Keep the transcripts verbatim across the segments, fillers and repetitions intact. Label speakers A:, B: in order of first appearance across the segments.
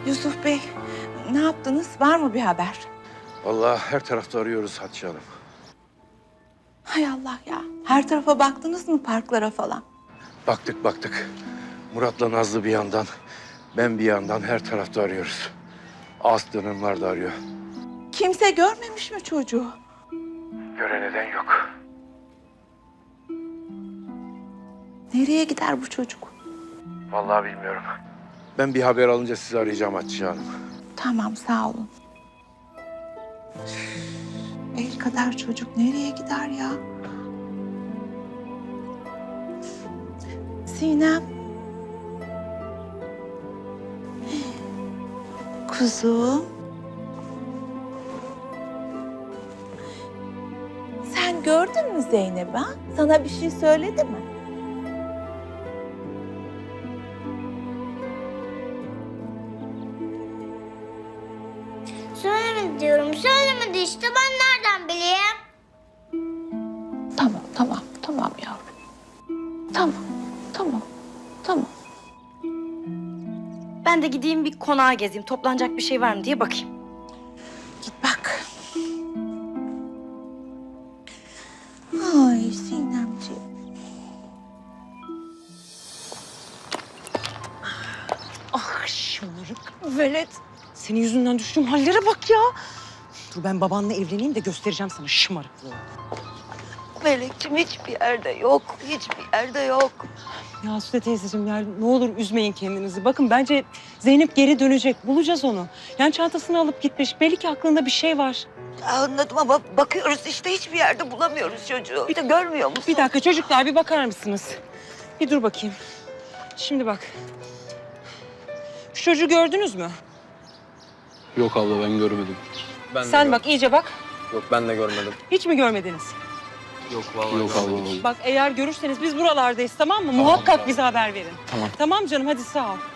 A: Yusuf Bey, ne yaptınız? Var mı bir haber?
B: Vallahi her tarafta arıyoruz Hatice Hanım.
A: Hay Allah ya. Her tarafa baktınız mı, parklara falan?
B: Baktık baktık. Murat'la Nazlı bir yandan, ben bir yandan her tarafta arıyoruz. Aslı Hanımlar da arıyor.
A: Kimse görmemiş mi çocuğu?
B: Gören eden yok.
A: Nereye gider bu çocuk?
B: Vallahi bilmiyorum. Ben bir haber alınca sizi arayacağım Hatice Hanım.
A: Tamam, sağ olun. Üf, el kadar çocuk nereye gider ya? Sinem. Kuzum. Sen gördün mü Zeynep'i ha? Sana bir şey söyledi mi?
C: Söylemedi diyorum. Söylemedi işte. Ben nereden bileyim?
A: Tamam, tamam, tamam yavrum. Tamam, tamam, tamam.
D: Ben de gideyim bir konağa gezeyim. Toplanacak bir şey var mı diye bakayım.
A: Git bak. Ay Sinemciğim.
E: Ah şımarık velet. Senin yüzünden düştüğüm hallere bak ya. Dur ben babanla evleneyim de göstereceğim sana şımarıklığı.
F: Melekciğim hiçbir yerde yok. Hiçbir yerde yok.
E: Ya Süde teyzeciğim ya ne olur üzmeyin kendinizi. Bakın bence Zeynep geri dönecek. Bulacağız onu. Yani çantasını alıp gitmiş. Belli ki aklında bir şey var.
F: Anladım ama bakıyoruz işte hiçbir yerde bulamıyoruz çocuğu. Bir de görmüyor musun?
E: Bir dakika çocuklar bir bakar mısınız? Bir dur bakayım. Şimdi bak. Şu çocuğu gördünüz mü?
G: Yok abla ben görmedim. Ben de
E: Sen
G: gör-
E: bak iyice bak.
G: Yok ben de görmedim.
E: Hiç mi görmediniz?
G: Yok vallahi Yok abla.
E: Bak eğer görürseniz biz buralardayız tamam mı? Muhakkak
G: tamam.
E: bize haber verin.
G: Tamam.
E: Tamam canım hadi sağ ol.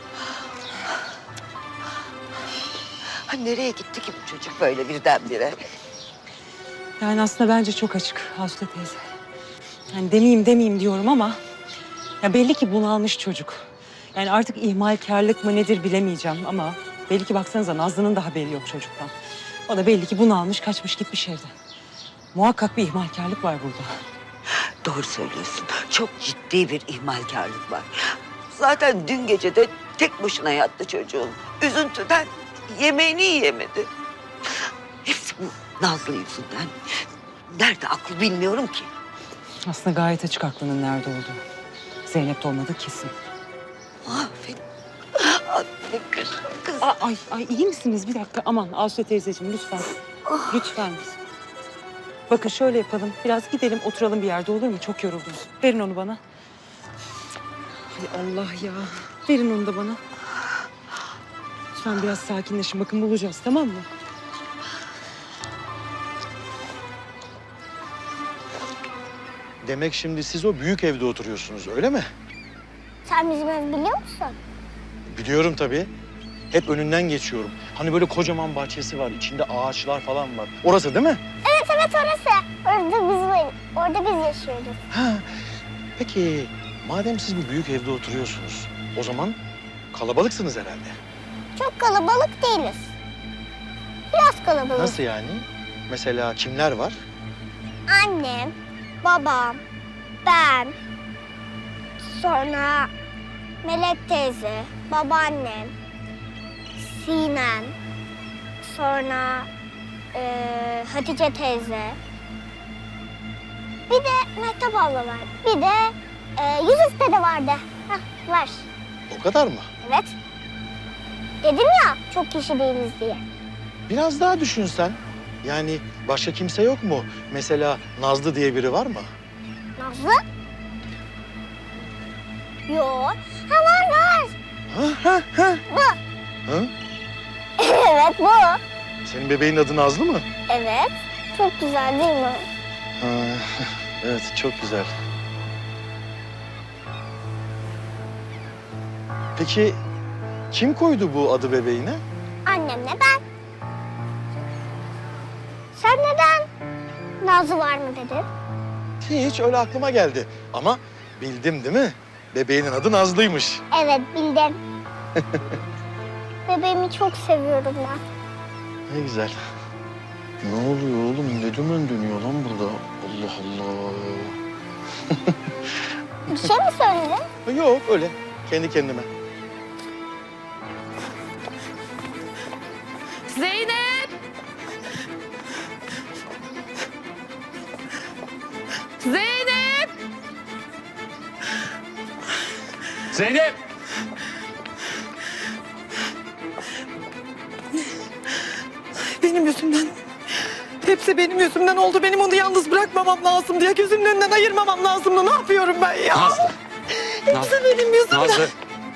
F: Ha, nereye gitti ki bu çocuk böyle birdenbire?
E: Yani aslında bence çok açık Hasude teyze. Yani demeyeyim demeyeyim diyorum ama... Ya belli ki bunalmış çocuk. Yani artık ihmalkarlık mı nedir bilemeyeceğim ama... Belli ki baksanıza Nazlı'nın da haberi yok çocuktan. O da belli ki bunalmış kaçmış gitmiş evden. Muhakkak bir ihmalkarlık var burada.
F: Doğru söylüyorsun. Çok ciddi bir ihmalkarlık var. Zaten dün gece de tek başına yattı çocuğun. Üzüntüden yemeğini yiyemedi. Hepsi bu Nazlı yüzünden. Nerede aklı bilmiyorum ki.
E: Aslında gayet açık aklının nerede olduğu. Zeynep'te olmadığı kesin.
F: Aferin. Aferin kızım. Kızım.
E: Aa, ay, ay iyi misiniz? Bir dakika aman Asude teyzeciğim lütfen. Lütfen. Bakın şöyle yapalım. Biraz gidelim oturalım bir yerde olur mu? Çok yoruldunuz. Verin onu bana. Hay Allah ya. Verin onu da bana. Lütfen biraz sakinleşin. Bakın bulacağız tamam mı?
H: Demek şimdi siz o büyük evde oturuyorsunuz öyle mi?
C: Sen bizim evi biliyor musun?
H: Biliyorum tabii. Hep önünden geçiyorum. Hani böyle kocaman bahçesi var, içinde ağaçlar falan var. Orası değil mi?
C: Evet evet orası. Orada bizim ev. Orada biz yaşıyoruz.
H: Ha. Peki madem siz bu büyük evde oturuyorsunuz, o zaman kalabalıksınız herhalde.
C: Çok kalabalık değiliz. Biraz kalabalık.
H: Nasıl yani? Mesela kimler var?
C: Annem, babam, ben, sonra Melek teyze, babaannem, Sinem, sonra eee, Hatice teyze, bir de Mehtap abla var, bir de eee, Yusuf dede vardı. Hah, var.
H: O kadar mı?
C: Evet. Dedim ya çok kişi değiliz diye.
H: Biraz daha düşünsen. Yani başka kimse yok mu? Mesela Nazlı diye biri var mı?
C: Nazlı? Yok. Ha var var.
H: Ha ha ha.
C: Bu.
H: Ha?
C: Evet bu.
H: Senin bebeğin adı Nazlı mı?
C: Evet. Çok güzel değil mi?
H: Ha, evet çok güzel. Peki kim koydu bu adı bebeğine?
C: Annemle ben. Sen neden Nazlı var mı dedin?
H: Hiç öyle aklıma geldi. Ama bildim değil mi? Bebeğinin adı Nazlı'ymış.
C: Evet bildim. Bebeğimi çok seviyorum ben.
H: Ne güzel. Ne oluyor oğlum? Ne dümen dönüyor lan burada? Allah Allah.
C: Bir şey mi söyledin?
H: Yok öyle. Kendi kendime.
A: Zeynep! Zeynep!
B: Zeynep!
I: Benim yüzümden. Hepsi benim yüzümden oldu. Benim onu yalnız bırakmamam lazım diye gözümün önünden ayırmamam lazımdı. Ne yapıyorum ben ya?
B: Nazlı!
I: Hepsi benim yüzümden.
B: Nazlı!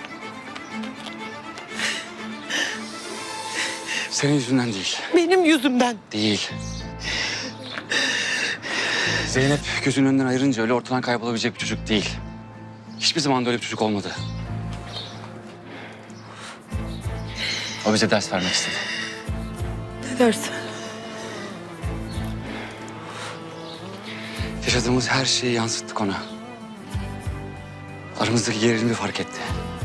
B: Senin yüzünden değil.
I: Benim yüzümden.
J: Değil. Zeynep gözünün önünden ayırınca öyle ortadan kaybolabilecek bir çocuk değil. Hiçbir zaman da öyle bir çocuk olmadı. O bize ders vermek istedi.
I: Ne dersin?
J: Yaşadığımız her şeyi yansıttık ona. Aramızdaki gerilimi fark etti.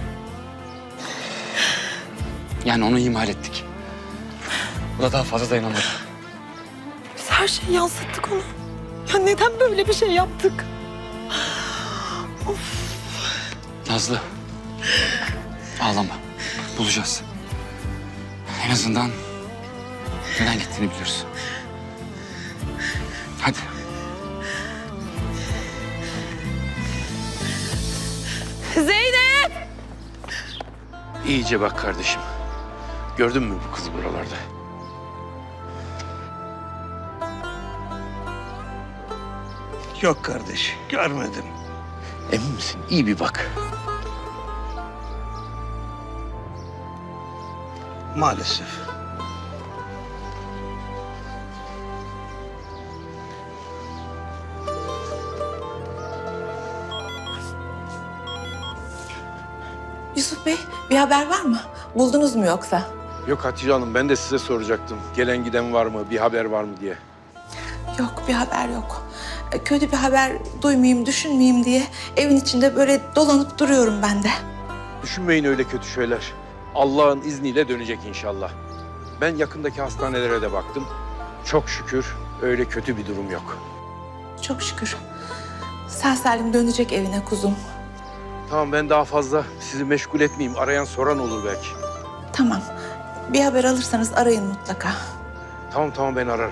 J: Yani onu ihmal ettik. O da daha fazla dayanamadı.
I: Biz her şeyi yansıttık ona. Ya neden böyle bir şey yaptık?
J: Nazlı, ağlama. Bulacağız. En azından neden gittiğini biliyoruz. Hadi.
A: Zeynep!
B: İyice bak kardeşim. Gördün mü bu kızı buralarda?
K: Yok kardeş, görmedim.
B: Emin misin? İyi bir bak.
K: Maalesef.
A: Yusuf Bey, bir haber var mı? Buldunuz mu yoksa?
B: Yok Hatice Hanım, ben de size soracaktım. Gelen giden var mı, bir haber var mı diye.
A: Yok, bir haber yok. E, Kötü bir haber duymayayım, düşünmeyeyim diye evin içinde böyle dolanıp duruyorum ben de.
B: Düşünmeyin öyle kötü şeyler. Allah'ın izniyle dönecek inşallah. Ben yakındaki hastanelere de baktım. Çok şükür öyle kötü bir durum yok.
A: Çok şükür. Sağ salim dönecek evine kuzum.
B: Tamam, ben daha fazla sizi meşgul etmeyeyim. Arayan soran olur belki.
A: Tamam. Bir haber alırsanız arayın mutlaka.
B: Tamam tamam, ben ararım.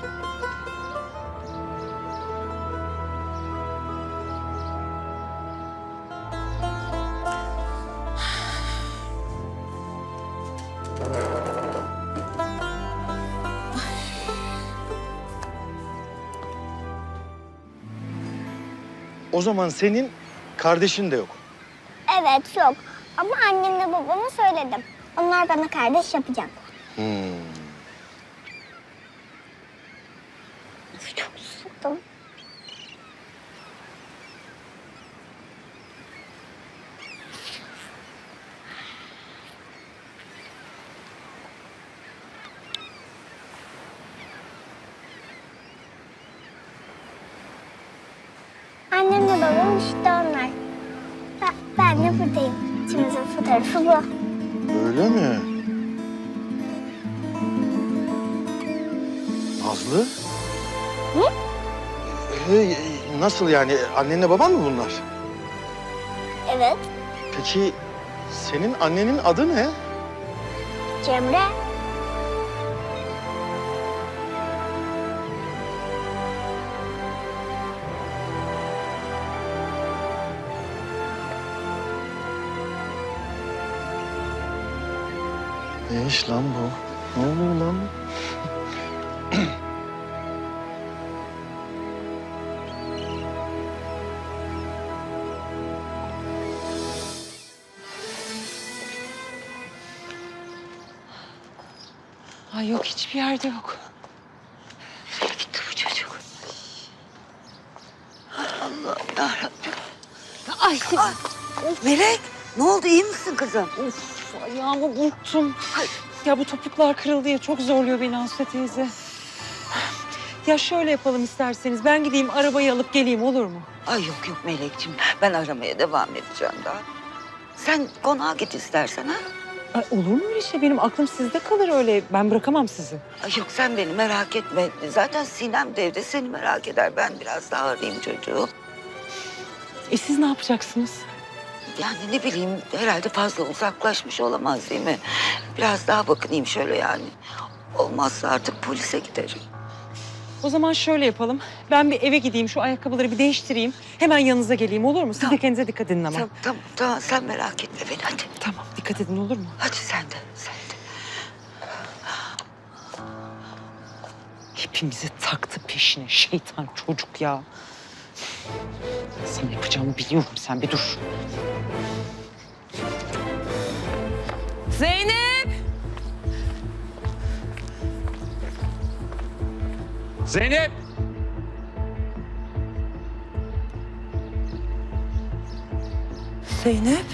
H: O zaman senin kardeşin de yok.
C: Evet yok. Ama annemle babama söyledim. Onlar bana kardeş yapacak.
H: Hmm.
C: Çok susadım. Annemle babam işte onlar. Ben, ben de buradayım. İkimizin fotoğrafı bu.
H: Öyle mi? Nazlı?
C: Hı?
H: Ee, nasıl yani? Annenle baban mı bunlar?
C: Evet,
H: Peki senin annenin adı ne?
C: Cemre.
H: Ne iş lan bu? Ne oluyor lan?
E: Ay yok, hiçbir yerde yok.
F: Nereye gitti bu çocuk? Allah yarabbim.
E: Ay,
F: Ay, Melek, ne oldu? İyi misin kızım?
E: of, ayağımı burktum. Ya bu topuklar kırıldı ya, çok zorluyor beni Aslı teyze. Ya şöyle yapalım isterseniz, ben gideyim arabayı alıp geleyim, olur mu?
F: Ay yok yok Melekciğim, ben aramaya devam edeceğim daha. Sen konağa git istersen ha.
E: Ay, olur mu öyle şey? Benim aklım sizde kalır öyle. Ben bırakamam sizi.
F: Ay yok sen beni merak etme. Zaten Sinem de evde seni merak eder. Ben biraz daha arayayım çocuğu.
E: E siz ne yapacaksınız?
F: Yani ne bileyim herhalde fazla uzaklaşmış olamaz değil mi? Biraz daha bakınayım şöyle yani. Olmazsa artık polise giderim.
E: O zaman şöyle yapalım. Ben bir eve gideyim, şu ayakkabıları bir değiştireyim. Hemen yanınıza geleyim, olur mu? Siz
F: Tamam.
E: de kendinize dikkat edin ama.
F: Tamam, tamam, tamam sen merak etme beni hadi.
E: Tamam, dikkat edin, olur mu?
F: Hadi sen de, sen de.
E: Hepimizi taktı peşine şeytan çocuk ya. Sana yapacağımı biliyorum, sen bir dur.
A: Zeynep!
J: Zeynep!
A: Zeynep!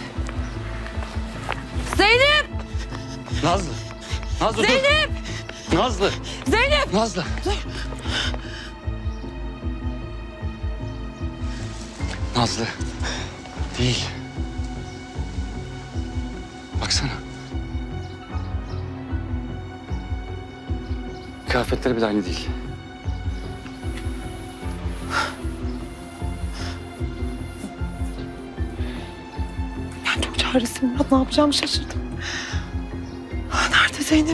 A: Zeynep!
J: Nazlı! Nazlı
A: Zeynep!
J: dur! Nazlı!
A: Zeynep!
J: Nazlı! Nazlı. Değil. Baksana. Kıyafetleri bile aynı değil.
I: Ben çok çaresizim Murat. Ne yapacağımı şaşırdım. Ah, nerede Zeynep?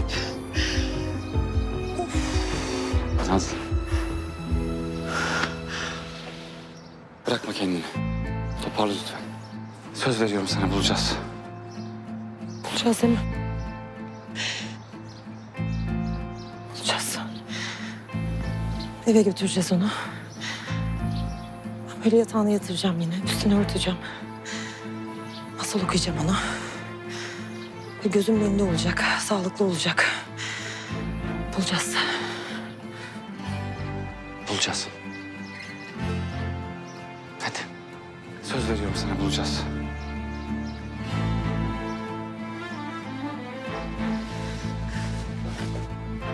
J: Nazlı. Bırakma kendini. Toparla lütfen. Söz veriyorum sana, bulacağız.
I: Bulacağız değil mi? Bulacağız. Eve götüreceğiz onu. Ben böyle yatağına yatıracağım yine. Üstüne örteceğim. Masal okuyacağım ona. Ve gözümün önünde olacak. Sağlıklı olacak. Bulacağız.
J: Bulacağız. Hadi. Söz veriyorum sana, bulacağız.